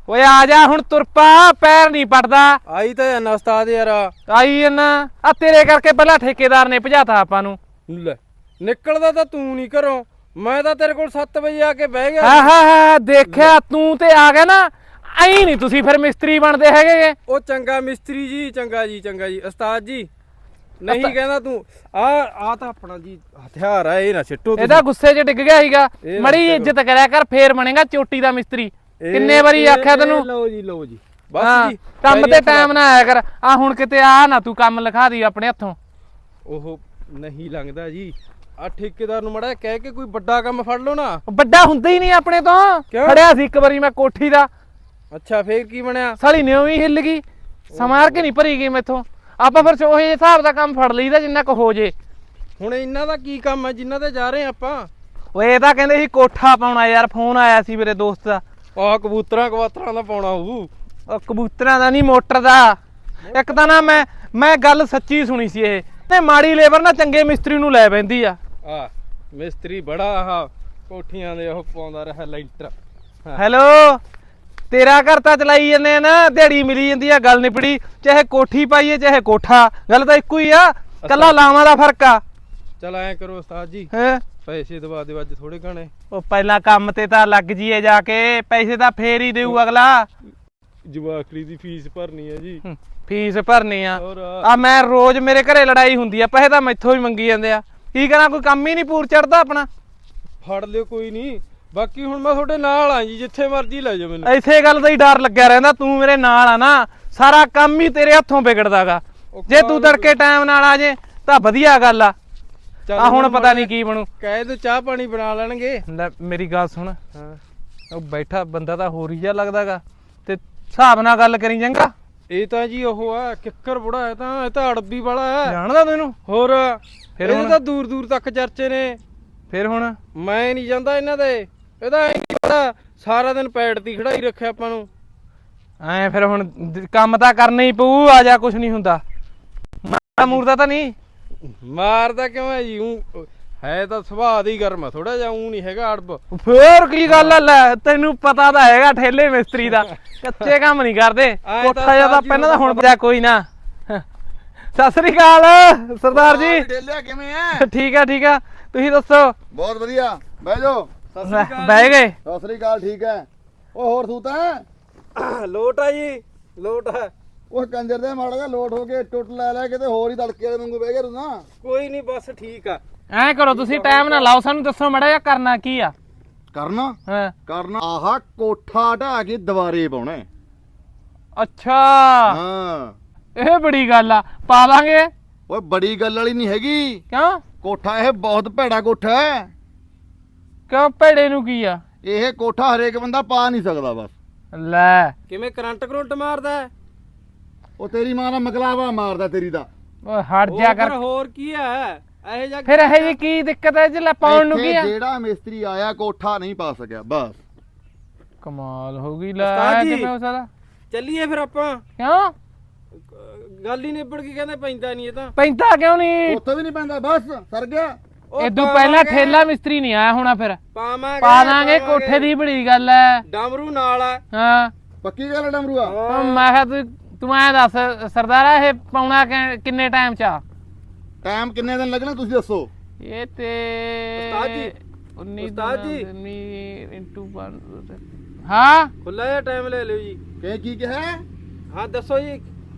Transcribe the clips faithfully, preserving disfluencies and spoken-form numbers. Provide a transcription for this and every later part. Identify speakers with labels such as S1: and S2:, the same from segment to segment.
S1: ਓਏ ਆ ਜਾ ਹੁਣ ਤੁਰ ਪਾ, ਪੈਰ ਨਹੀਂ ਪੜਦਾ।
S2: ਆਈ ਤਾਂ ਜਾਨਾ ਉਸਤਾਦ ਯਾਰ।
S1: ਆਈ ਜੰਨਾ ਆ ਤੇਰੇ ਕਰਕੇ ਪਹਿਲਾਂ ਠੇਕੇਦਾਰ ਨੇ ਭਜਾਤਾ ਆਪਾਂ ਨੂੰ।
S2: ਲੈ ਨਿਕਲਦਾ ਤਾਂ ਤੂੰ ਨਹੀਂ ਘਰੋਂ, ਮੈਂ ਤਾਂ ਤੇਰੇ ਕੋਲ ਸੱਤ ਵਜੇ ਆ ਕੇ ਬਹਿ ਗਿਆ।
S1: ਹਾਂ ਹਾਂ ਹਾਂ ਦੇਖਿਆ ਤੂੰ ਤੇ ਆ ਗਿਆ ਨਾ, ਐਂ ਨਹੀਂ ਤੁਸੀਂ ਫਿਰ ਮਿਸਤਰੀ ਬਣਦੇ ਹੈਗੇ।
S2: ਉਹ ਚੰਗਾ ਮਿਸਤਰੀ ਜੀ, ਚੰਗਾ ਜੀ, ਚੰਗਾ ਜੀ ਉਸਤਾਦ ਜੀ। ਨਹੀਂ ਕਹਿੰਦਾ ਤੂੰ ਆ ਆ ਤਾਂ ਆਪਣਾ ਜੀ ਹਥਿਆਰ ਆ, ਇਹ ਨਾ ਸਿੱਟੋ।
S1: ਇਹਦਾ ਗੁੱਸੇ 'ਚ ਡਿੱਗ ਗਿਆ ਸੀਗਾ। ਮੜੀ ਇੱਜ਼ਤ ਕਰਿਆ ਕਰ, ਫੇਰ ਬਣੇਗਾ ਚੋਟੀ ਦਾ ਮਿਸਤਰੀ। ਕਿੰਨੇ ਵਾਰੀ ਆਖਿਆ ਤੈਨੂੰ।
S2: ਲਓ ਜੀ ਲਓ ਜੀ ਬਸ ਜੀ,
S1: ਕੰਮ ਤੇ ਟਾਈਮ ਨਾ ਆਇਆ ਕਰ। ਆ ਹੁਣ ਕਿਤੇ ਆ ਨਾ ਤੂੰ ਕੰਮ ਲਿਖਾ ਦੀ ਆਪਣੇ ਹੱਥੋਂ।
S2: ਉਹ ਨਹੀਂ ਲੰਘਦਾ ਜੀ, ਆ ਠੇਕੇਦਾਰ ਨੂੰ ਮੜਾ ਕਹਿ ਕੇ ਕੋਈ ਵੱਡਾ ਕੰਮ ਫੜ ਲਓ ਨਾ।
S1: ਵੱਡਾ ਹੁੰਦਾ ਹੀ ਨਹੀਂ ਆਪਣੇ ਤੋਂ। ਫੜਿਆ ਸੀ ਇੱਕ ਵਾਰੀ ਮੈਂ ਕੋਠੀ ਦਾ।
S2: ਅੱਛਾ ਫੇਰ ਕੀ ਬਣਿਆ?
S1: ਸਾਲੀ ਨਿਉਂ ਹੀ ਹਿੱਲ ਗਈ, ਸਮਾਰ ਕੇ ਨਹੀਂ ਭਰੀ ਗਈ ਮੈਥੋਂ। ਆਪਾਂ ਫਿਰ ਉਹੇ ਹਿਸਾਬ ਦਾ ਕੰਮ ਫੜ ਲਈਦਾ ਜਿੰਨਾ ਕੁ ਹੋ ਜੇ।
S2: ਹੁਣ ਇਹਨਾਂ ਦਾ ਕੀ ਕੰਮ ਹੈ ਜਿੰਨਾ ਤੇ ਜਾ ਰਹੇ ਆਪਾਂ?
S1: ਓਏ ਇਹ ਤਾਂ ਕਹਿੰਦੇ ਸੀ ਕੋਠਾ ਪਾਉਣਾ ਯਾਰ, ਫੋਨ ਆਇਆ ਸੀ ਮੇਰੇ ਦੋਸਤ ਦਾ।
S2: ਆਹ ਕਬੂਤਰਾਂ ਕਵਾਤਰਾਂ ਦਾ ਪਾਉਣਾ ਹੋਊ।
S1: ਉਹ ਕਬੂਤਰਾਂ ਦਾ ਨਹੀਂ, ਮੋਟਰ ਦਾ। ਇੱਕ ਤਾਂ ਨਾ ਮੈਂ ਮੈਂ ਗੱਲ ਸੱਚੀ ਸੁਣੀ ਸੀ, ਇਹ ਤੇ ਮਾੜੀ ਲੇਬਰ ਨਾ ਚੰਗੇ ਮਿਸਤਰੀ ਨੂੰ ਲੈ ਪੈਂਦੀ ਆ।
S2: ਆ ਮਿਸਤਰੀ ਬੜਾ ਆਹ ਕੋਠੀਆਂ ਦੇ ਉਹ ਪਾਉਂਦਾ ਰਿਹਾ ਲੈਂਟਰ।
S1: ਹੈਲੋ, ਤੇਰਾ ਘਰ ਤਾਂ ਚਲਾਈ ਜੰਨੇ ਆ ਨਾ, ਦਿਹਾੜੀ ਮਿਲੀ ਜਾਂਦੀ ਆ, ਗੱਲ ਨਿਪੜੀ। ਚਾਹੇ ਕੋਠੀ ਪਾਈਏ ਚਾਹੇ ਕੋਠਾ, ਗੱਲ ਤਾਂ ਇੱਕੋ ਹੀ ਆ, ਕੱਲਾ ਲਾਵਾਂ ਦਾ ਫਰਕ ਆ।
S2: ਚਲ ਐ ਕਰੋ ਉਸਤਾਦ ਜੀ,
S1: ਹੈ
S2: ਪੈਸੇ ਦਵਾ ਦਿਓ ਅੱਜ ਥੋੜੇ ਘਣੇ।
S1: ਉਹ ਪਹਿਲਾਂ ਕੰਮ ਤੇ ਤਾਂ ਲੱਗ ਜੀਏ ਜਾ ਕੇ, ਪੈਸੇ ਤਾਂ ਫੇਰ ਹੀ ਦੇਊ ਅਗਲਾ।
S2: ਜਵਾਕੜੀ ਦੀ ਫੀਸ ਭਰਨੀ ਹੈ ਜੀ।
S1: ਫੀਸ ਭਰਨੀ ਆ।
S2: ਹੋਰ
S1: ਆ ਮੈਂ ਰੋਜ਼ ਮੇਰੇ ਘਰੇ ਲੜਾਈ ਹੁੰਦੀ ਆ, ਪੈਸੇ ਤਾਂ ਮੈਥੋਂ ਹੀ ਮੰਗੀ ਜਾਂਦੇ ਆ। ਕੀ ਕਰਾਂ, ਕੋਈ ਕੰਮ ਹੀ ਨਹੀਂ ਪੂਰ ਚੜਦਾ ਆਪਣਾ।
S2: ਫੜ ਲਿਓ ਕੋਈ ਨਹੀਂ, ਬਾਕੀ ਹੁਣ ਮੈਂ ਤੁਹਾਡੇ ਨਾਲ ਆ ਜੀ, ਜਿੱਥੇ ਮਰਜ਼ੀ ਲੈ ਜਾਓ ਮੈਨੂੰ।
S1: ਇਸੇ ਗੱਲ ਦਾ ਹੀ ਡਰ ਲੱਗਿਆ ਰਹਿੰਦਾ, ਤੂੰ ਮੇਰੇ ਨਾਲ ਆ ਨਾ, ਸਾਰਾ ਕੰਮ ਹੀ ਤੇਰੇ ਹੱਥੋਂ ਵਿਗੜਦਾਗਾ। ਜੇ ਤੂੰ ਤੜਕੇ ਟਾਈਮ ਨਾਲ ਆ ਜੇ ਤਾਂ ਵਧੀਆ ਗੱਲ ਆ। ਆ ਹੁਣ ਪਤਾ ਨਹੀਂ ਕੀ ਬਣੂ।
S2: ਕਹਿ ਦੋ ਚਾਹ ਪਾਣੀ ਬਣਾ ਲੈਣਗੇ।
S1: ਲੈ ਮੇਰੀ ਗੱਲ ਸੁਣ,
S2: ਹਾਂ
S1: ਉਹ ਬੈਠਾ ਬੰਦਾ ਤਾਂ ਹੋਰ ਹੀ ਜਿਹਾ ਲੱਗਦਾਗਾ, ਤੇ ਹਿਸਾਬ ਨਾਲ ਗੱਲ ਕਰੀ ਚੰਗਾ।
S2: ਇਹ ਤਾਂ ਜੀ ਉਹ ਆ ਕਿੱਕਰ ਬੁੜਾ ਹੈ, ਤਾਂ ਇਹ ਤਾਂ ਅੜਬੀ ਵਾਲਾ ਹੈ।
S1: ਜਾਣਦਾ ਤੈਨੂੰ?
S2: ਹੋਰ
S1: ਫਿਰ
S2: ਇਹ
S1: ਹੁਣ
S2: ਤਾਂ ਦੂਰ ਦੂਰ ਤੱਕ ਚਰਚੇ ਨੇ।
S1: ਫਿਰ ਹੁਣ
S2: ਮੈਂ ਨਹੀਂ ਜਾਂਦਾ ਇਹਨਾਂ ਦੇ, ਇਹਦਾ ਐ ਨਹੀਂ ਪਤਾ ਸਾਰਾ ਦਿਨ ਪੈੜ ਦੀ ਖੜਾਈ ਰੱਖਿਆ ਆਪਾਂ ਨੂੰ।
S1: ਐ ਫਿਰ ਹੁਣ ਕੰਮ ਤਾਂ ਕਰਨਾ ਹੀ ਪਊ। ਆ ਜਾ, ਕੁਛ ਨਹੀਂ ਹੁੰਦਾ। ਮਾਰਦਾ ਮੂਰਦਾ ਤਾਂ ਨਹੀਂ?
S2: ਮਾਰਦਾ ਕਿਉਂ ਹੈ ਜੀ? ਊਂ ਹੈ ਤਾਂ ਸੁਭਾਅ ਦੀ ਗਰਮ ਆ ਥੋੜਾ ਜਿਹਾ, ਊਂ ਨਹੀਂ ਹੈਗਾ ਅੜਬ।
S1: ਫੇਰ ਕੀ ਗੱਲ ਆ, ਲੈ ਤੈਨੂੰ ਪਤਾ ਤਾਂ ਹੈਗਾ ਠੇਲੇ ਮਿਸਤਰੀ ਦਾ, ਕੱਚੇ ਕੰਮ ਨਹੀਂ ਕਰਦੇ। ਕੋਠਾ ਜਿਹਾ ਤਾਂ ਪਹਿਲਾਂ ਤਾਂ ਹੁਣ ਪਿਆ ਕੋਈ ਨਾ। ਸਤਿ ਸ੍ਰੀ ਅਕਾਲ ਸਰਦਾਰ ਜੀ।
S3: ਢੇਲਿਆ ਕਿਵੇਂ ਐ?
S1: ਠੀਕ ਆ ਠੀਕ ਆ, ਤੁਸੀਂ ਦੱਸੋ?
S3: ਬਹੁਤ ਵਧੀਆ, ਬਹਿ ਜਾਓ।
S1: ਬਹਿ ਗਏ?
S3: ਸਤਿ ਸ੍ਰੀ ਅਕਾਲ। ਠੀਕ ਐ। ਉਹ ਹੋਰ ਤੂੰ ਤਾਂ
S2: ਲੋਟ ਆ ਜੀ, ਲੋਟ ਆ।
S3: ਉਹ ਕੰਜਰ ਦੇ ਮਾੜਾ ਜਿਹਾ ਲੋਟ ਹੋ ਕੇ ਟੁੱਟ ਲੈ ਲੈ ਕਿਤੇ ਹੋਰ ਹੀ ਤੜਕੇ ਵਾਲੇ ਵਾਂਗੂ ਬਹਿ ਗਿਆ ਤੂੰ ਨਾ।
S2: ਕੋਈ ਨਹੀਂ ਬਸ ਠੀਕ ਆ।
S1: ਐਂ ਕਰੋ ਤੁਸੀਂ, ਟਾਈਮ ਨਾ ਲਾਓ, ਸਾਨੂੰ ਦੱਸੋ ਮਾੜਾ ਜਿਹਾ ਕਰਨਾ ਕੀ ਆ।
S3: ਕਰਨਾ
S1: ਹਾਂ
S3: ਕਰਨਾ ਆਹ ਕੋਠਾ ਢਾ ਕੇ ਦੁਬਾਰੇ ਪਾਉਣਾ।
S1: ਅੱਛਾ,
S3: ਹਾਂ
S1: ਇਹ ਬੜੀ ਗੱਲ ਆ, ਪਾ ਦਾਂਗੇ।
S3: ਓਏ ਬੜੀ ਗੱਲ ਵਾਲੀ ਨਹੀਂ ਹੈਗੀ।
S1: ਕਿਉਂ?
S3: ਕੋਠਾ ਇਹ ਬਹੁਤ ਭੈੜਾ ਕੋਠਾ ਹੈ।
S1: ਕਿਉਂ, ਭੇੜੇ ਨੂੰ ਕੀ ਆ?
S3: ਇਹ ਕੋਠਾ ਹਰੇਕ ਬੰਦਾ ਪਾ ਨਹੀਂ ਸਕਦਾ। ਬਸ
S1: ਲੈ
S2: ਕਿਵੇਂ ਕਰੰਟ ਕਰੰਟ ਮਾਰਦਾ?
S3: ਉਹ ਤੇਰੀ ਮਾਂ ਦਾ ਮਕਲਾਵਾ ਮਾਰਦਾ ਤੇਰੀ ਦਾ।
S1: ਓਏ ਹਟ ਜਾ ਕਰ।
S2: ਹੋਰ ਕੀ ਹੈ ਇਹ ਜਾ?
S1: ਫਿਰ ਇਹ ਜੀ ਕੀ ਦਿੱਕਤ ਹੈ ਜੇ ਲੈ ਪਾਉਣ ਨੂੰ ਕੀ
S3: ਇੱਥੇ
S1: ਆ?
S3: ਜਿਹੜਾ ਮਿਸਤਰੀ ਆਇਆ ਕੋਠਾ ਨਹੀਂ ਪਾ ਸਕਿਆ। ਬਸ
S1: ਕਮਾਲ ਹੋ ਗਈ। ਲੈ
S2: ਉਸਤਾਦ ਜੀ।
S1: ਕਿਵੇਂ ਹੋ ਸਕਦਾ?
S2: ਚੱਲੀਏ ਫਿਰ ਆਪਾਂ।
S1: ਕਿਉਂ
S2: ਗੱਲ ਹੀ ਨਿਬੜ ਕੇ ਕਹਿੰਦੇ ਪੈਂਦਾ ਨਹੀਂ ਇਹ ਤਾਂ।
S1: ਪੈਂਦਾ ਕਿਉਂ ਨਹੀਂ?
S3: ਉੱਥੇ ਵੀ ਨਹੀਂ ਪੈਂਦਾ। ਬਸ ਸਰ ਗਿਆ।
S1: ਇਦੋਂ ਪਹਿਲਾਂ ਠੇਲਾ ਮਿਸਤਰੀ ਨਹੀਂ ਆਇਆ ਹੋਣਾ। ਫਿਰ
S2: ਪਾਵਾਂਗੇ
S1: ਪਾ ਦਾਂਗੇ, ਕੋਠੇ ਦੀ ਬੜੀ ਗੱਲ ਐ।
S2: ਡਮਰੂ ਨਾਲ ਆ।
S1: ਹਾਂ
S3: ਪੱਕੀ ਗੱਲ ਹੈ ਡਮਰੂਆ।
S1: ਹੁਣ ਮੈਂ ਕਿਹਾ ਤੂੰ ਤੂੰ ਐਂ ਦੱਸ ਸਰਦਾਰਾ, ਇਹ ਪਾਉਣਾ ਕਿ- ਕਿੰਨੇ ਟਾਈਮ ਚ ਆ?
S3: ਟਾਈਮ ਕਿੰਨੇ ਦਿਨ ਲੱਗਣੇ ਤੁਸੀਂ ਦੱਸੋ।
S1: ਇਹ ਤੇ
S2: ਉਸਤਾਦ ਜੀ,
S1: ਉੱਨੀ
S2: ਉਸਤਾਦ ਜੀ।
S1: ਇੰਟੂ ਹਾਂ
S2: ਖੁੱਲਾ ਜਿਹਾ ਟਾਈਮ ਲੈ ਲਿਓ ਜੀ।
S3: ਕੀ ਕੀ ਕਿਹਾ?
S2: ਹਾਂ ਦੱਸੋ ਜੀ।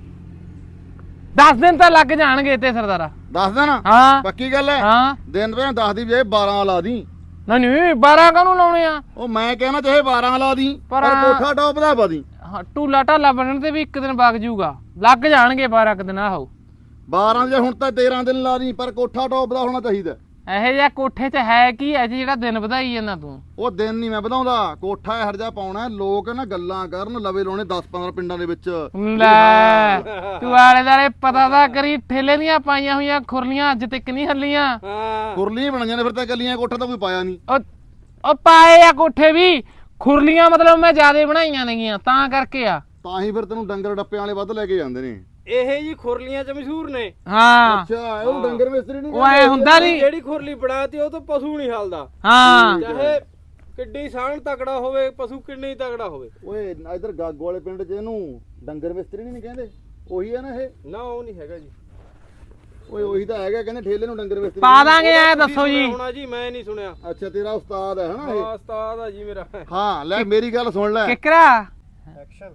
S1: ਦਸ ਦਿਨ ਤਾਂ ਲੱਗ ਜਾਣਗੇ ਤੇ ਸਰਦਾਰਾ।
S3: ਦੱਸ ਦੇਣਾ।
S1: ਹਾਂ
S3: ਪੱਕੀ ਗੱਲ ਹੈ।
S1: ਹਾਂ
S3: ਦਿਨ ਵੇ ਦਸ ਦੀ ਬਜਾਏ ਬਾਰਾਂ ਲਾ ਦੀ।
S1: ਨਹੀਂ ਨਹੀਂ ਬਾਰਾਂ ਕਾਹਨੂੰ ਲਾਉਣੇ ਆ?
S3: ਉਹ ਮੈਂ ਕਹਿਣਾ ਚਾਹੇ ਬਾਰਾਂ ਲਾ ਦੀ,
S1: ਪਰ
S3: ਪਰ ਕੋਠਾ ਟੌਪ ਦਾ ਪਾ ਦੀ।
S1: ਹਾਂ ਟੂਲਾ ਢਾਲਾ ਬਣਨ ਤੇ ਵੀ ਇੱਕ ਦਿਨ ਵਗ ਜੂਗਾ, ਲੱਗ ਜਾਣਗੇ ਬਾਰਾਂ ਕੁ ਦਿਨ। ਆਹੋ
S3: ਬਾਰਾਂ ਜੇ ਹੁਣ ਤਾਂ ਤੇਰਾਂ ਦਿਨ ਲਾ ਦੀ, ਪਰ ਕੋਠਾ ਟੌਪ ਦਾ ਹੋਣਾ ਚਾਹੀਦਾ।
S1: ਇਹੋ ਜਿਹਾ ਕੋਠੇ 'ਚ ਹੈ ਕੀ ਹੈ ਜੀ ਜਿਹੜਾ ਦਿਨ ਵਧਾਈ ਜਾਂਦਾ ਤੂੰ?
S3: ਉਹ ਦਿਨ ਨਹੀਂ ਮੈਂ ਵਧਾਉਂਦਾ, ਕੋਠਾ ਇਹੋ ਜਿਹਾ ਪਾਉਣਾ ਲੋਕ ਨਾ ਗੱਲਾਂ ਕਰਨ ਲਵੇ ਲਾਉਣੇ ਦਸ ਪੰਦਰਾਂ ਪਿੰਡਾਂ ਦੇ ਵਿੱਚ।
S1: ਲੈ ਤੂੰ ਆਲੇ ਦਾਲੇ ਪਤਾ ਤਾਂ ਕਰੀ, ਠੇਲੇ ਦੀਆਂ ਪਾਈਆਂ ਹੋਈਆਂ ਖੁਰਲੀਆਂ ਅੱਜ ਤੱਕ ਨਹੀਂ ਹੱਲੀਆਂ।
S2: ਹਾਂ
S3: ਕੁਰਲੀਆਂ ਬਣਾਈਆਂ ਨੇ ਫਿਰ ਤਾਂ ਕੱਲੀਆਂ, ਕੋਠਾ ਤਾਂ ਕੋਈ ਪਾਇਆ ਨਹੀਂ।
S1: ਉਹ ਉਹ ਪਾਏ ਆ ਕੋਠੇ ਵੀ, ਖੁਰਲੀਆਂ ਮਤਲਬ ਮੈਂ ਜ਼ਿਆਦਾ ਬਣਾਈਆਂ ਨੇਗੀਆਂ ਤਾਂ ਕਰਕੇ ਆ।
S3: ਤਾਂ ਹੀ ਫਿਰ ਤੈਨੂੰ ਡੰਗਰ ਡੱਪਿਆਂ ਵਾਲੇ ਵੱਧ ਲੈ ਕੇ ਜਾਂਦੇ ਨੇ।
S2: ਇਹ ਜੀ ਖੁਰਲੀਆਂ ਚ ਮਸ਼ਹੂਰ ਨੇ।
S1: ਹਾਂ
S3: ਅੱਛਾ ਉਹ ਡੰਗਰ ਮਿਸਤਰੀ ਨਹੀਂ
S1: ਉਹ ਐ ਹੁੰਦਾ ਨਹੀਂ।
S2: ਜਿਹੜੀ ਖੁਰਲੀ ਬਣਾਤੀ ਉਹ ਤਾਂ ਪਸ਼ੂ ਨਹੀਂ ਹਲਦਾ।
S1: ਹਾਂ
S2: ਚਾਹੇ ਕਿੱਡੀ ਸਾਣ ਤਕੜਾ ਹੋਵੇ ਪਸ਼ੂ ਕਿੰਨੀ ਤਕੜਾ ਹੋਵੇ।
S3: ਓਏ ਇਧਰ ਗਾਗੋ ਵਾਲੇ ਪਿੰਡ 'ਚ ਇਹਨੂੰ ਡੰਗਰ ਮਿਸਤਰੀ ਨਹੀਂ ਕਹਿੰਦੇ, ਉਹੀ ਆ ਨਾ ਇਹ?
S2: ਨਾ ਉਹ ਨਹੀਂ ਹੈਗਾ ਜੀ।
S3: ਓਏ ਉਹੀ ਤਾਂ ਹੈਗਾ, ਕਹਿੰਦੇ ਠੇਲੇ ਨੂੰ ਡੰਗਰ ਮਿਸਤਰੀ
S1: ਪਾ ਦਾਂਗੇ ਐ ਦੱਸੋ ਜੀ।
S2: ਹੋਣਾ ਜੀ ਮੈਂ ਨਹੀਂ ਸੁਣਿਆ।
S3: ਅੱਛਾ ਤੇਰਾ ਉਸਤਾਦ ਹੈ ਹਨਾ
S2: ਹਾਂ
S3: ਇਹ?
S2: ਉਸਤਾਦ ਆ ਜੀ ਮੇਰਾ।
S3: ਹਾਂ ਲੈ ਮੇਰੀ ਗੱਲ ਸੁਣ ਲੈ।
S1: ਕਿਕਰਾ
S2: ਐਕਸ਼ਨ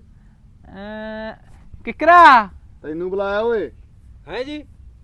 S1: ਕਿਕਰਾ
S3: ਤੈਨੂੰ ਬੁਲਾਇਆ ਓਏ।
S2: ਹੈ ਜੀ।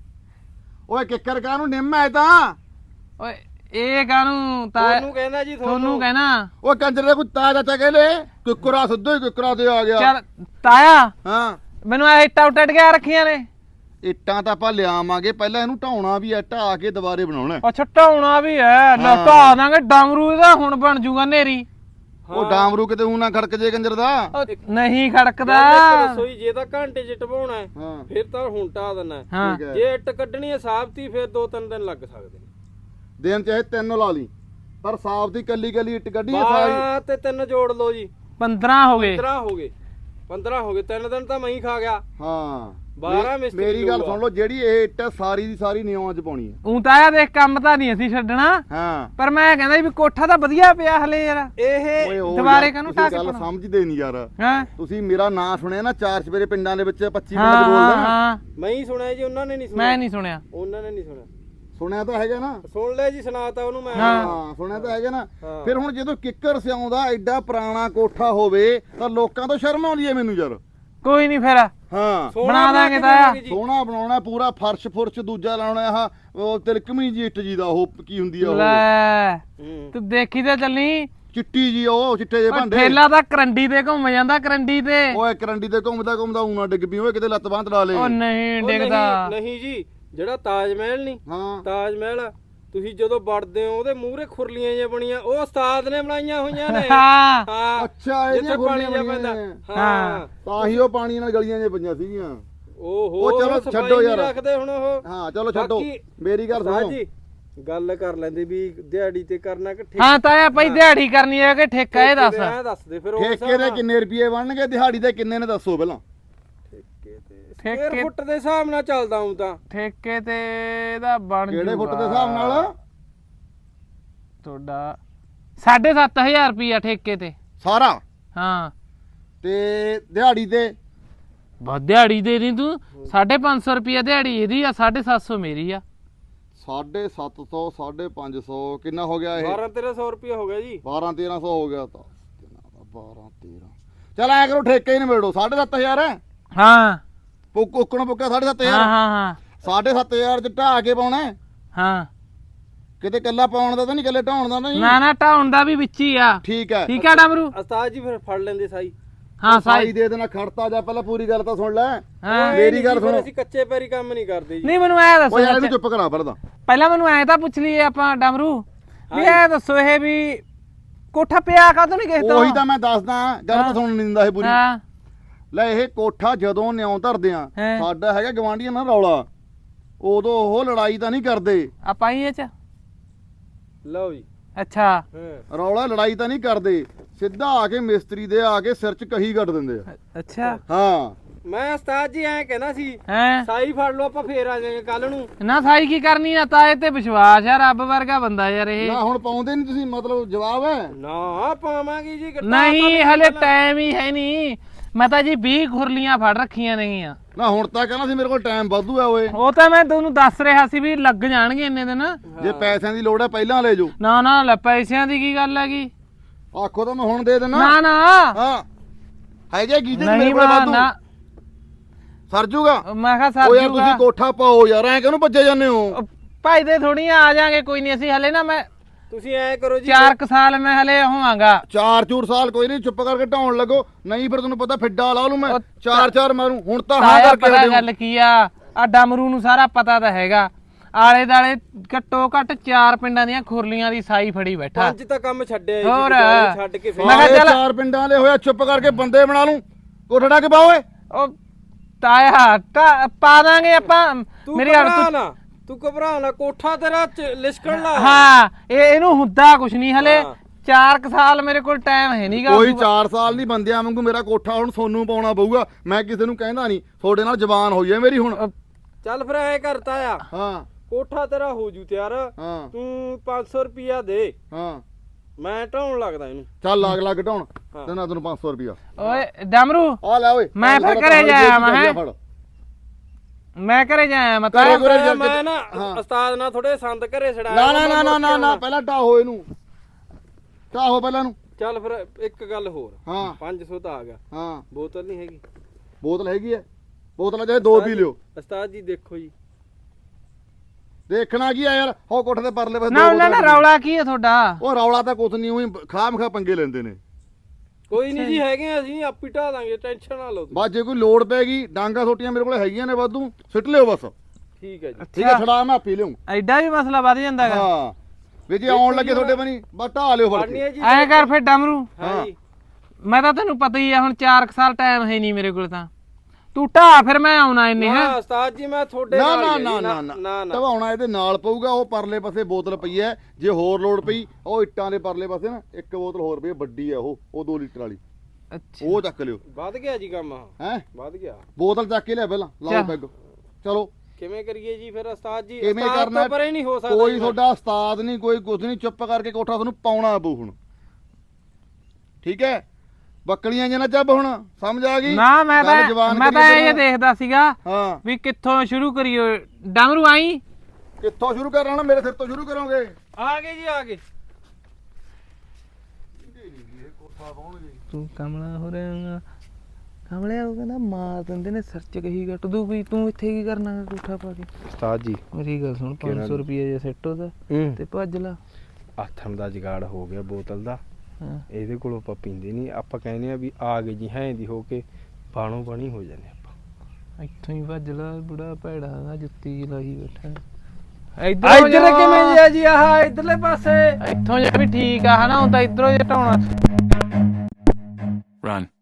S3: ਓਏ ਕਿੱਕਰ ਕਾਹਨੂੰ ਨਿੰਮ ਹੈ ਤਾਂ?
S1: ਓਏ ਇਹ ਕਾਹਨੂੰ ਤਾਂ
S2: ਤੁਹਾਨੂੰ ਕਹਿੰਦਾ ਜੀ
S1: ਤੁਹਾਨੂੰ ਕਹਿਣਾ।
S3: ਓਏ ਕੰਜਰ ਦਾ ਕੋਈ ਤਾਜਾ ਚਾਚਾ ਕਹਿੰਦੇ ਕਿੱਕਰਾ ਸਿੱਧਾ ਹੀ ਕਿੱਕਰਾ ਤੇ ਆ ਗਿਆ।
S1: ਚੱਲ ਤਾਇਆ
S3: ਹਾਂ
S1: ਮੈਨੂੰ ਐ ਇੱਟਾਂ ਉੱਟੜ ਕੇ ਰੱਖੀਆਂ ਨੇ।
S3: ਇੱਟਾਂ ਤਾਂ ਆਪਾਂ ਲਿਆਵਾਂਗੇ, ਪਹਿਲਾਂ ਇਹਨੂੰ ਢਾਉਣਾ ਵੀ ਹੈ, ਢਾ ਕੇ ਦੁਬਾਰੇ ਬਣਾਉਣਾ।
S1: ਅੱਛਾ ਢਾਉਣਾ ਵੀ ਐ, ਲੈ
S3: ਹਾਂ।
S1: ਢਾ ਦਾਂਗੇ। ਡਾਂਗਰੂ ਇਹਦਾ ਹੁਣ ਬਣ ਜੂਗਾ ਨੇਰੀ।
S3: ਉਹ ਡਾਮਰੂ ਕਿਤੇ ਊਂ ਨਾ ਖੜਕ ਜੇ ਕੰਜਰ ਦਾ।
S1: ਉਹ ਨਹੀਂ ਖੜਕਦਾ।
S2: ਦੱਸੋ ਜੀ ਜੇ ਤਾਂ ਘੰਟੇ ਚ ਟਵਾਉਣਾ ਹੈ
S3: ਹਾਂ
S2: ਫਿਰ ਤਾਂ ਹੁਣ ਢਾ ਦੇਣਾ ਹੈ।
S1: ਹਾਂ
S3: ਠੀਕ ਹੈ।
S2: ਜੇ ਇੱਟ ਕੱਢਣੀ ਹੈ ਸਾਬਤੀ ਫਿਰ ਦੋ ਤਿੰਨ ਦਿਨ ਲੱਗ ਸਕਦੇ ਨੇ।
S3: ਦਿਨ ਚਾਹੇ ਤਿੰਨ ਲਾ ਲਈ, ਪਰ ਸਾਫ ਦੀ ਕੱਲੀ ਕੱਲੀ ਇੱਟ ਕੱਢੀ ਹੈ ਸਾਰੀ।
S2: ਬਾਰਾਂ ਤੇ ਤਿੰਨ ਜੋੜ ਲਓ ਜੀ।
S1: ਪੰਦਰਾਂ ਹੋ ਗਏ।
S2: ਪੰਦਰਾਂ ਹੋ ਗਏ। ਪੰਦਰਾਂ ਹੋ ਗਏ। ਤਿੰਨ ਦਿਨ ਤਾਂ ਮੈਂ ਹੀ ਖਾ ਗਿਆ।
S3: ਹਾਂ
S2: ਬਾਰਾਂ ਮਿਸਤਰੀ
S3: ਮੇਰੀ ਗੱਲ
S2: ਲਊਗਾ।
S3: ਸੁਣ ਲਓ, ਜਿਹੜੀ ਇਹ ਇੱਟ ਹੈ ਸਾਰੀ ਦੀ ਸਾਰੀ ਨਿਉਆਂ 'ਚ ਪਾਉਣੀ ਹੈ।
S1: ਊਂ ਤਾਇਆ ਦੇਖ ਕੰਮ ਤਾਂ ਨਹੀਂ ਅਸੀਂ ਛੱਡਣਾ,
S3: ਹਾਂ
S1: ਪਰ ਮੈਂ ਕਹਿੰਦਾ ਵੀ ਕੋਠਾ ਤਾਂ ਵਧੀਆ ਪਿਆ ਹਲੇ ਯਾਰ।
S2: ਇਹ
S3: ਓਏ ਉਹ
S1: ਦੁਬਾਰੇ
S3: ਯਾਰ,
S1: ਕਾਹਨੂੰ
S3: ਤੁਸੀਂ
S1: ਢਾਹ ਕੇ
S3: ਗੱਲ
S1: ਪਾਉਣਾ?
S3: ਸਮਝਦੇ ਨਹੀਂ ਯਾਰ।
S1: ਹਾਂ
S3: ਤੁਸੀਂ ਮੇਰਾ ਨਾਂ ਸੁਣਿਆ ਨਾ, ਚਾਰ ਸਵੇਰੇ ਪਿੰਡਾਂ ਦੇ ਵਿੱਚ ਪੱਚੀ
S1: ਹਾਂ
S3: ਮਿੰਟ ਬੋਲਦਾ
S1: ਹਾਂ
S3: ਨਾ।
S1: ਹਾਂ
S2: ਮੈਂ ਹੀ ਸੁਣਿਆ ਜੀ, ਉਹਨਾਂ ਨੇ ਨਹੀਂ ਸੁਣਿਆ।
S1: ਮੈਂ ਨਹੀਂ ਸੁਣਿਆ।
S2: ਉਹਨਾਂ ਨੇ ਨਹੀਂ ਸੁਣਿਆ।
S3: ਸੁਣਿਆ ਤਾਂ ਹੈਗਾ ਨਾ।
S2: ਸੁਣ ਲੈ ਜੀ, ਸੁਣਾਤਾ ਉਹਨੂੰ ਮੈਂ।
S1: ਹਾਂ।
S3: ਹਾਂ ਸੁਣਿਆ ਤਾਂ ਹੈਗਾ ਨਾ।
S2: ਹਾਂ।
S3: ਫਿਰ ਹੁਣ ਜਦੋਂ ਕਿੱਕਰ ਸਿਆਉਂਦਾ ਐਡਾ ਪੁਰਾਣਾ ਕੋਠਾ ਹੋਵੇ ਤਾਂ ਲੋਕਾਂ ਤੋਂ ਸ਼ਰਮ ਆਉਂਦੀ ਹੈ ਮੈਨੂੰ ਯਾਰ।
S1: ਕੋਈ ਨਹੀਂ ਫਿਰ
S3: ਹਾਂ
S2: ਸੋਹਣਾ
S1: ਬਣਾ ਦਾਂਗੇ
S2: ਕੇ
S1: ਤਾਇਆ।
S2: ਦੇਵਾਂਗੇ ਜੀ।
S3: ਸੋਹਣਾ ਬਣਾਉਣਾ, ਪੂਰਾ ਫਰਸ਼ ਫੁਰਸ਼ ਦੂਜਾ ਲਾਉਣਾ। ਆਹ ਉਹ ਤਿਲਕਮੀ ਜੀ ਇੱਟ ਜੀ ਦਾ ਉਹ ਕੀ ਹੁੰਦੀ ਆ ਉਹ
S1: ਲੈ
S2: ਹੂੰ।
S1: ਤੂੰ ਦੇਖੀ ਤੇ ਚੱਲੀ।
S3: ਚਿੱਟੀ ਜੀ ਉਹ ਚਿੱਟੇ ਜੇ
S1: ਉਹ
S3: ਭਾਂਡੇ।
S1: ਠੇਲਾ ਤਾਂ ਕਰੰਡੀ ਤੇ ਘੁੰਮ ਜਾਂਦਾ, ਕਰੰਡੀ ਤੇ।
S3: ਓਏ ਕਰੰਡੀ ਤੇ ਘੁੰਮਦਾ ਘੁੰਮਦਾ ਊਣਾ ਡਿੱਗ ਪਈ ਓਏ, ਕਿਤੇ ਲੱਤ ਬਾਂਹ ਤੜਾ ਲੇ।
S1: ਉਹ ਨਹੀਂ
S2: ਉਹ
S1: ਡਿੱਗਦਾ।
S2: ਨਹੀਂ ਨਹੀਂ ਜੀ, ਜਿਹੜਾ ਤਾਜ ਮਹਿਲ ਨਹੀਂ,
S3: ਹਾਂ
S2: ਤਾਜ ਮਹਿਲ ਆ, ਤੁਸੀਂ ਜਦੋਂ ਵੜਦੇ ਹੋ ਉਹਦੇ ਮੂਹਰੇ ਖੁਰਲੀਆਂ ਜਿਹੀਆਂ ਬਣੀਆਂ, ਉਹ ਉਸਤਾਦ ਨੇ ਬਣਾਈਆਂ ਹੋਈਆਂ ਨੇ।
S1: ਹਾਂ
S2: ਹਾਂ
S3: ਅੱਛਾ
S2: ਜਿੱਥੇ
S3: ਇਹਦੀਆਂ
S2: ਪਾਣੀ
S3: ਖੁਰਲੀਆਂ
S2: ਜਿਹਾ ਪੈਂਦਾ।
S3: ਬਣੀਆਂ।
S2: ਹਾਂ
S3: ਤਾਂ ਹੀ ਉਹ ਪਾਣੀ ਨਾਲ ਗਲੀਆਂ ਜੇ ਪਈਆਂ ਸੀਗੀਆਂ।
S2: ਓਹੋ
S3: ਉਹ ਚਲੋ
S2: ਸਫਾਈ
S3: ਛੱਡੋ
S2: ਨਹੀਂ
S3: ਯਾਰ।
S2: ਰੱਖਦੇ ਹੁਣ ਉਹ।
S3: ਹਾਂ ਚਲੋ ਛੱਡੋ,
S2: ਬਾਕੀ
S3: ਮੇਰੀ ਗੱਲ
S2: ਉਸਤਾਦ
S3: ਸੁਣੋ।
S2: ਜੀ ਗੱਲ ਕਰ ਲੈਂਦੇ ਵੀ ਦਿਹਾੜੀ ਤੇ ਕਰਨਾ ਕਿ ਠੇਕੇ
S1: ਹਾਂ ਤਾਇਆ ਭਾਈ ਦਿਹਾੜੀ ਕਰਨੀ ਹੈ ਕਿ ਠੇਕਾ ਇਹ ਦੱਸ।
S2: ਤੇ ਐਂ ਦੱਸ ਦੇ ਫਿਰ ਉਸ
S3: ਠੇਕੇ ਦੇ ਕਿੰਨੇ ਰੁਪਏ ਬਣਨਗੇ, ਦਿਹਾੜੀ ਦੇ ਕਿੰਨੇ ਨੇ ਦੱਸੋ ਪਹਿਲਾਂ।
S2: ਠੇਕੇ ਤੇ
S1: ਠੇਕੇ-
S2: ਸਕੁਅਰ ਫੁੱਟ ਦੇ ਹਿਸਾਬ ਨਾਲ ਚੱਲਦਾ ਹੂੰ ਤਾਂ।
S1: ਠੇਕੇ ਤੇ ਇਹਦਾ ਬਣ
S3: ਕਿਹੜੇ ਫੁੱਟ ਦੇ
S1: ਜੂਗਾ
S3: ਹਿਸਾਬ ਨਾਲ?
S1: ਤੁਹਾਡਾ ਸਾਢੇ ਸੱਤ ਹਜ਼ਾਰ ਰੁਪਿਆ ਠੇਕੇ ਤੇ।
S3: ਸਾਰਾ
S1: ਹਾਂ
S3: ਤੇ ਦਿਹਾੜੀ ਤੇ
S1: ਬਹੁਤ ਦਿਹਾੜੀ ਦੇ ਦੀ ਤੂੰ। ਸਾਢੇ ਪੰਜ ਸੌ ਰੁਪਿਆ ਦਿਹਾੜੀ ਇਹਦੀ ਆ, ਸਾਢੇ ਸੱਤ ਸੌ ਮੇਰੀ ਆ।
S3: ਸਾਢੇ ਸੱਤ ਸੌ ਸਾਢੇ ਪੰਜ ਸੌ ਕਿੰਨਾ ਹੋ ਗਿਆ ਇਹ?
S2: ਬਾਰਾਂ ਤੇਰਾਂ ਸੌ ਰੁਪਇਆ ਹੋ ਗਿਆ ਜੀ।
S3: ਬਾਰਾਂ ਤੇਰਾਂ ਸੌ ਹੋ ਗਿਆ ਤਾਂ। ਬਾਰਾਂ ਤੇਰਾਂ ਚੱਲ ਐ ਕਰੋ, ਠੇਕੇ ਹੀ ਨਿਬੇੜੋ। ਸਾਢੇ ਸੱਤ ਹਜ਼ਾਰ ਹੈ
S1: ਹਾਂ
S3: ਪੁੱਕ ਉੱਕਣੋਂ ਪੁੱਕਾ ਸਾਢੇ ਸੱਤ
S1: ਹਾਂ
S3: ਹਜ਼ਾਰ।
S1: ਹਾਂ ਹਾਂ
S3: ਸਾਢੇ ਸੱਤ ਹਜ਼ਾਰ ਚ ਢਾਹ ਕੇ ਪਾਉਣਾ ਹੈ।
S1: ਹਾਂ
S3: ਕਿਤੇ ਕੱਲਾ ਪਾਉਣ ਦਾ ਤਾਂ ਨਹੀਂ, ਕੱਲੇ ਢਾਉਣ ਦਾ ਨਹੀਂ।
S1: ਨਾ ਨਾ ਢਾਉਣ ਦਾ ਵੀ ਵਿੱਚ ਹੀ ਆ।
S3: ਠੀਕ ਹੈ।
S1: ਠੀਕ ਆ ਡਮਰੂ।
S2: ਉਸਤਾਦ ਜੀ ਫਿਰ ਫੜ ਲੈਂਦੇ ਸਾਈ।
S1: ਹਾਂ
S3: ਸਾਈ
S1: ਸਾਈ
S3: ਦੇ ਦੇਣਾ, ਖੜਤਾ ਜਾ ਪਹਿਲਾਂ ਪੂਰੀ ਗੱਲ ਤਾਂ ਸੁਣ ਲੈ।
S1: ਹਾਂ
S2: ਓਏ
S3: ਮੇਰੀ
S2: ਨਹੀਂ
S3: ਗੱਲ
S2: ਜੀ, ਫਿਰ
S3: ਸੁਣੋ।
S2: ਅਸੀਂ ਕੱਚੇ ਪੈਰੀ ਕੰਮ ਨਹੀਂ ਕਰਦੇ ਜੀ।
S1: ਨਹੀਂ ਮੈਨੂੰ ਐ ਦੱਸੋ
S3: ਓਏ ਯਾਰ ਇਹਨੂੰ
S1: ਚਾਚਾ,
S3: ਚੁੱਪ ਕਰਾ ਪਹਿਲਾਂ।
S1: ਪਹਿਲਾਂ ਮੈਨੂੰ ਐ ਤਾਂ ਪੁੱਛ ਲਈਏ ਆਪਾਂ ਡਮਰੂ ਵੀ ਐ ਦੱਸੋ ਇਹ ਵੀ ਕੋਠਾ ਪਿਆ ਕਾਹਤੋਂ ਨਹੀਂ ਕਿਸੇ ਤੋਂ?
S3: ਉਹੀ ਤਾਂ ਮੈਂ ਦੱਸਦਾ, ਗੱਲ ਤਾਂ ਸੁਣਨ ਨਹੀਂ ਦਿੰਦਾ ਇਹ ਪੂਰੀ।
S1: ਹਾਂ
S3: ਲੈ ਇਹ ਕੋਠਾ ਜਦੋਂ ਨਿਉਂ ਧਰਦੇ ਆ,
S1: ਹੈਂ।
S3: ਸਾਡਾ ਹੈਗਾ ਗਵਾਂਢੀਆਂ ਨਾਲ ਰੌਲਾ, ਉਦੋਂ ਉਹ ਲੜਾਈ ਤਾਂ ਨਹੀਂ ਕਰਦੇ।
S1: ਆਪਾਂ ਹੀ ਇਹ ਚ।
S2: ਲਓ ਜੀ।
S1: ਅੱਛਾ
S2: ਹਾਂ
S3: ਰੌਲਾ ਲੜਾਈ ਤਾਂ ਨਹੀਂ ਕਰਦੇ, ਸਿੱਧਾ ਆ ਕੇ ਮਿਸਤਰੀ ਦੇ ਆ ਕੇ ਸਿਰ 'ਚ ਕਹੀ ਕੱਢ ਦਿੰਦੇ ਆ।
S1: ਅੱਛਾ
S3: ਹਾਂ
S2: ਮੈਂ ਉਸਤਾਦ ਜੀ ਐਂ ਕਹਿਣਾ ਸੀ
S1: ਹੈ
S2: ਸਾਈ ਫੜ ਲਓ, ਆਪਾਂ ਫੇਰ ਆ ਜਾਵਾਂਗੇ ਕੱਲ ਨੂੰ।
S1: ਨਾ ਸਾਈ ਕੀ ਕਰਨੀ ਆ? ਤਾਂ ਇਹ ਤੇ ਵਿਸ਼ਵਾਸ ਆ, ਰੱਬ ਵਰਗਾ ਬੰਦਾ ਯਾਰ ਇਹ।
S3: ਨਾ ਹੁਣ ਪਾਉਂਦੇ ਨਹੀਂ ਤੁਸੀਂ, ਮਤਲਬ ਜਵਾਬ ਹੈ।
S2: ਨਾ ਪਾਵਾਂਗੇ ਜੀ। ਕਿੱਡਾ
S1: ਨਹੀਂ
S2: ਆਪਾਂ
S1: ਹਲੇ
S2: ਪਹਿਲਾਂ-
S1: ਟਾਈਮ ਹੀ ਹੈ ਨਹੀਂ। ਮੈਂ ਤਾਂ ਜੀ ਵੀਹ ਖੁਰਲੀਆਂ ਫੜ ਰੱਖੀਆਂ ਨੇਗੀਆਂ।
S3: ਨਾ ਹੁਣ ਤਾਂ ਕਹਿੰਦਾ ਸੀ ਮੇਰੇ ਕੋਲ ਟਾਈਮ ਵਾਧੂ ਹੈ ਓਏ।
S1: ਉਹ ਤਾਂ ਮੈਂ ਤੁਹਾਨੂੰ ਦੱਸ ਰਿਹਾ ਸੀ ਵੀ ਲੱਗ ਜਾਣਗੇ ਇੰਨੇ ਦਿਨ।
S3: ਜੇ ਪੈਸਿਆਂ ਦੀ ਲੋੜ ਹੈ ਪਹਿਲਾਂ ਲੈ ਜਾਓ।
S1: ਨਾ ਨਾ ਲੈ ਪੈਸਿਆਂ ਦੀ ਕੀ ਗੱਲ ਹੈਗੀ?
S3: ਆਖੋ ਤਾਂ ਮੈਂ ਹੁਣ ਦੇ ਦੇਣਾ।
S1: ਨਾ ਨਾ
S3: ਹਾਂ ਹੈਗੇ ਗੀਤੇ
S1: ਨਹੀਂ
S3: ਮੇਰੇ ਕੋਲ
S1: ਮਾ
S3: ਵਾਧੂ।
S1: ਨਾ
S3: ਸਰ ਜੂਗਾ।
S1: ਮੈਂ ਕਿਹਾ ਸਰ
S3: ਓ ਯਾਰ
S1: ਜੂਗਾ।
S3: ਤੁਸੀਂ ਕੋਠਾ ਪਾਓ ਯਾਰ, ਐਂ ਕਿਉਂ ਭੱਜੇ ਜਾਂਦੇ ਹੋ?
S1: ਉਹ ਭਾਈ ਦੇ ਥੋੜੀ ਆ ਜਾਾਂਗੇ, ਕੋਈ ਨਹੀਂ। ਅਸੀਂ ਹਲੇ ਨਾ ਮੈਂ
S2: ਤੁਸੀਂ ਐਂ ਕਰੋ ਜੀ।
S1: ਚਾਰ ਕੁ ਸਾਲ ਮੈਂ ਹਲੇ ਹੋਵਾਂਗਾ।
S3: ਚਾਰ ਚੂਰ ਸਾਲ ਕੋਈ ਨਹੀਂ, ਚੁੱਪ ਕਰਕੇ ਢਾਉਣ ਲੱਗੋ, ਨਹੀਂ ਫਿਰ ਤੁਹਾਨੂੰ ਪਤਾ ਫਿੱਡਾ ਲਾ ਲੂ ਮੈਂ।
S1: ਉਹ
S3: ਚਾਰ ਚਾਰ ਮਾਰੂ ਹੁਣ ਤਾਂ ਹਾਂ
S1: ਤਾਇਆ
S3: ਕਰਕੇ
S1: ਪਤਾ
S3: ਹਟਿਓ।
S1: ਗੱਲ ਕੀ ਆ, ਆ ਡਮਰੂ ਨੂੰ ਸਾਰਾ ਪਤਾ ਤਾਂ ਹੈਗਾ। ਆਲੇ ਦਾਲੇ ਘੱਟੋ ਘੱਟ ਚਾਰ ਪਿੰਡਾਂ ਦੀਆਂ ਖੁਰਲੀਆਂ ਦੀ ਸਾਈ ਫੜੀ ਬੈਠਾ।
S2: ਪੰਜ ਤਾਂ ਕੰਮ ਛੱਡਿਆ ਜੀ,
S1: ਹੋਰ।
S2: ਵਿਚਾਰੇ ਛੱਡ ਕੇ ਫੇਰ
S1: ਮੈਂ ਕਿਹਾ
S3: ਸਾਰੇ
S1: ਚੱਲ-
S3: ਚਾਰ ਪਿੰਡਾਂ ਵਾਲੇ ਹੋਇਆ, ਚੁੱਪ ਕਰਕੇ ਬੰਦੇ ਬਣਾ ਲੂੰ, ਕੋਠਾ ਢਾ ਕੇ ਪਾਓ ਓਏ।
S1: ਉਹ ਤਾਇਆ ਤਾਂ ਪਾ ਦਾਂਗੇ ਆਪਾਂ।
S2: ਤੂੰ
S1: ਮੇਰੀ ਗੱਲ
S2: ਘਬਰਾ
S1: ਤੂੰ
S2: ਨਾ, ਤੂੰ ਘਬਰਾ ਨਾ, ਕੋਠਾ ਤੇਰਾ ਚ- ਲਿਸ਼ਕਣ ਲਾ।
S1: ਹਾਂ ਇਹ ਇਹਨੂੰ ਹੁੰਦਾ ਕੁਛ ਨਹੀਂ ਹਲੇ।
S2: ਹਾਂ।
S1: ਚਾਰ ਕੁ ਸਾਲ ਮੇਰੇ ਕੋਲ ਟਾਈਮ ਹੈ ਨਹੀਂਗਾ।
S3: ਕੋਈ ਚਾਰ ਸਾਲ ਨਹੀਂ, ਬੰਦਿਆਂ ਵਾਂਗੂ ਮੇਰਾ ਕੋਠਾ ਹੁਣ ਸੋਨੂੰ ਪਾਉਣਾ ਪਊਗਾ। ਮੈਂ ਕਿਸੇ ਨੂੰ ਕਹਿੰਦਾ ਨਹੀਂ, ਤੁਹਾਡੇ ਨਾਲ ਜ਼ਬਾਨ ਹੋਈ ਹੈ ਮੇਰੀ ਹੁਣ।
S2: ਚੱਲ ਫਿਰ ਐ ਕਰਤਾ ਆ,
S3: ਹਾਂ
S2: ਕੋਠਾ ਤੇਰਾ ਹੋ ਜੂ ਤਿਆਰ।
S3: ਹਾਂ
S2: ਤੂੰ ਪੰਜ ਸੌ ਰੁਪਿਆ ਦੇ,
S3: ਹਾਂ
S2: ਮੈਂ ਢਾਉਣ ਲੱਗਦਾ ਇਹਨੂੰ।
S3: ਚੱਲ ਲੱਗ ਲੱਗ ਢਾਉਣ ਦੇਣਾ ਤੈਨੂੰ ਪੰਜ ਸੌ ਰੁਪਿਆ।
S1: ਓਏ ਡਮਰੂ
S3: ਆ ਲੈ ਓਏ
S1: ਮੈਂ ਫਿਰ ਘਰੇ ਜਾਇਆ ਮੈਂ ਹੈਂ। ਮੈਂ ਘਰੇ ਜਾਇਆ ਮੈਂ ਤਾਂ
S3: ਘਰੇ ਘਰੇ ਜਾ ਕੇ-
S2: ਮੈਂ ਨਾ ਉਸਤਾਦ ਨਾਲ ਥੋੜੇ ਸੰਦ ਘਰੇ ਛੜਾਇਆ।
S3: ਨਾ ਨਾ ਨਾ ਨਾ ਨਾ ਨਾ ਪਹਿਲਾਂ ਢਾਹੋ ਇਹਨੂੰ ਢਾਹੋ ਪਹਿਲਾਂ ਨੂੰ।
S2: ਚੱਲ ਫਿਰ ਇੱਕ ਗੱਲ ਹੋਰ।
S3: ਹਾਂ
S2: ਪੰਜ ਸੌ ਤਾਂ ਆ ਗਿਆ।
S3: ਹਾਂ
S2: ਬੋਤਲ ਨਹੀਂ ਹੈਗੀ।
S3: ਬੋਤਲ ਹੈਗੀ ਐ ਬੋਤਲਾਂ ਚਾਹੇ ਦੋ ਪੀ ਲਿਓ।
S2: ਉਸਤਾਦ ਜੀ ਦੇਖੋ ਜੀ
S3: ਦੇਖਣਾ ਕੀ ਆ ਯਾਰ ਹੋ ਕੋਠੇ ਤੇ ਪਰਲੇ ਪਾਸੇ
S1: ਨਾ ਨਾ ਨਾ ਰੌਲਾ ਕੀ ਹੈ ਤੁਹਾਡਾ?
S3: ਉਹ ਰੌਲਾ ਤਾਂ ਕੁਛ ਨਹੀਂ ਉਹੀ ਖਾਮ ਖਾ ਪੰਗੇ ਲੈਂਦੇ ਨੇ।
S2: ਕੋਈ ਨਹੀਂ ਜੀ ਹੈਗੇ ਅਸੀਂ ਆਪੀ ਢਾ ਦਾਂਗੇ ਟੈਨਸ਼ਨ ਨਾ ਲਓ।
S3: ਬਸ ਜੇ ਕੋਈ ਲੋੜ ਪੈਗੀ ਡਾਂਗਾ ਛੋਟੀਆਂ ਮੇਰੇ ਕੋਲ ਹੈਗੀਆਂ ਨੇ ਵਾਧੂ ਸਿੱਟ ਲਿਓ ਬਸ।
S2: ਠੀਕ ਹੈ ਜੀ।
S3: ਠੀਕ ਹੈ ਛੜਾ ਮੈਂ ਪੀ ਲਿਓ।
S1: ਐਡਾ ਵੀ ਮਸਲਾ ਵੱਧ ਜਾਂਦਾ ਗਾ।
S3: ਹਾਂ ਵੀ ਜੇ ਆਉਣ ਲੱਗੇ ਤੁਹਾਡੇ ਬਣੀ ਬਸ ਢਾ ਲਿਓ ਫੜ ਕੇ।
S1: ਐਂ ਕਰ ਫਿਰ ਡਮਰੂ
S2: ਹਾਂ ਜੀ
S1: ਮੈਂ ਤਾਂ ਤੈਨੂੰ ਪਤਾ ਹੀ ਆ ਹੁਣ ਚਾਰ ਸਾਲ ਟਾਈਮ ਹੈ ਨਹੀਂ ਮੇਰੇ ਕੋਲ ਤਾਂ ਤੂੰ ਢਾ ਫਿਰ ਮੈਂ ਆਉਣਾ ਇੰਨੇ ਹੈ।
S2: ਹਾਂ ਉਸਤਾਦ ਜੀ ਮੈਂ ਤੁਹਾਡੇ
S3: ਨਾ
S2: ਨਾਲ
S3: ਨਾ
S2: ਹੀ
S3: ਨਾ
S2: ਆ ਜੀ।
S3: ਨਾ ਨਾ ਢਵਾਉਣਾ ਇਹਦੇ ਨਾਲ ਪਊਗਾ। ਉਹ ਪਰਲੇ ਪਾਸੇ ਬੋਤਲ ਪਈ ਐ ਜੇ ਹੋਰ ਲੋੜ ਪਈ ਉਹ ਇੱਟਾਂ ਦੇ ਪਰਲੇ ਪਾਸੇ ਨਾ ਇੱਕ ਬੋਤਲ ਹੋਰ ਪਈ ਵੱਡੀ ਐ ਉਹ ਉਹ ਦੋ ਲੀਟਰ ਵਾਲੀ
S1: ਅੱਛਾ
S3: ਉਹ ਚੱਕ ਲਿਓ।
S2: ਵੱਧ ਗਿਆ ਜੀ ਕੰਮ ਆ।
S3: ਹੈ
S2: ਵੱਧ ਗਿਆ।
S3: ਬੋਤਲ ਚੱਕ ਕੇ ਲਿਆ ਪਹਿਲਾਂ ਲਾਓ ਪੈਗ। ਚਲੋ
S2: ਕਿਵੇਂ ਕਰੀਏ ਜੀ ਫਿਰ ਉਸਤਾਦ ਜੀ?
S3: ਕਿਵੇਂ
S2: ਉਸਤਾਦ
S3: ਕਰਨਾ
S2: ਤੋਂ ਪਰੇ ਨਹੀਂ ਹੋ ਸਕਦਾ
S3: ਕੋਈ
S2: ਜੀ।
S3: ਤੁਹਾਡਾ ਉਸਤਾਦ ਨਹੀਂ ਕੋਈ ਕੁਝ ਨਹੀਂ ਚੁੱਪ ਕਰਕੇ ਕੋਠਾ ਤੁਹਾਨੂੰ ਪਾਉਣਾ ਪਊ ਹੁਣ। ਠੀਕ ਹੈ ਬੱਕਲੀਆਂ ਜੇ ਨਾ ਚੱਬ ਹੁਣ ਸਮਝ ਆ ਗਈ
S1: ਨਾ ਮੈਂ
S3: ਗੱਲ
S1: ਤਾਂ
S3: ਜਵਾਨ
S1: ਮੈਂ ਤਾਂ
S3: ਕਰੀਏ
S1: ਇਹ ਦੇਖਦਾ ਸੀਗਾ
S3: ਹਾਂ
S1: ਵੀ ਕਿੱਥੋਂ ਸ਼ੁਰੂ ਕਰੀਏ। ਡਮਰੂ ਆਈ
S3: ਕਿੱਥੋਂ ਸ਼ੁਰੂ ਕਰਨਾ ਮੇਰੇ ਸਿਰ ਤੋਂ ਸ਼ੁਰੂ ਕਰੋਗੇ।
S2: ਆ ਗਏ ਜੀ ਆ ਗਏ।
S1: ਤੂੰ ਕਮਲਾ ਹੋ ਰਿਹਾ ਕਮਲਿਆ ਉਹ ਕਹਿੰਦਾ ਮਾਰ ਦਿੰਦੇ ਨੇ ਸਿਰ ਚ ਕਹੀ ਗੱਟ ਦੂ ਵੀ ਤੂੰ ਇੱਥੇ ਕੀ ਕਰਨਾ ਕੋਠਾ ਪਾ ਕੇ।
S2: ਉਸਤਾਦ ਜੀ
S1: ਮੇਰੀ ਗੱਲ ਸੁਣ ਪੰਜ ਸੌ ਰੁਪਏ ਜੇ ਸੈੱਟ ਉਹਦਾ ਤੇ ਭੱਜ ਲਾ।
S2: ਆਥਣ ਦਾ ਜਗਾੜ ਹੋ ਗਿਆ ਬੋਤਲ ਦਾ।
S1: ਹਾਂ
S2: ਇਹਦੇ ਕੋਲੋਂ ਆਪਾਂ ਪੀਂਦੇ ਨਹੀਂ। ਆਪਾਂ ਕਹਿੰਦੇ ਆ ਵੀ ਆ ਗਏ ਜੀ ਹੈਂ ਦੀ ਹੋ ਕੇ ਬਾਣੋ ਬਣੀ ਹੋ ਜਾਂਦੇ ਆਪਾਂ।
S1: ਇੱਥੋਂ ਹੀ ਭੱਜ ਲਾ ਬੁੜਾ ਭੈੜਾ ਦਾ ਜੁੱਤੀ ਲਾਈ ਬੈਠਾ।
S2: ਇੱਧਰ ਕਿਵੇਂ ਜਿਆ ਜੀ ਆਹ ਇਧਰਲੇ ਪਾਸੇ
S1: ਇੱਥੋਂ ਜੇ ਵੀ ਠੀਕ ਆ ਹਨਾ ਹੁਣ ਤਾਂ ਇਧਰੋਂ ਜੇ ਢਾਉਣਾ।
S4: Run.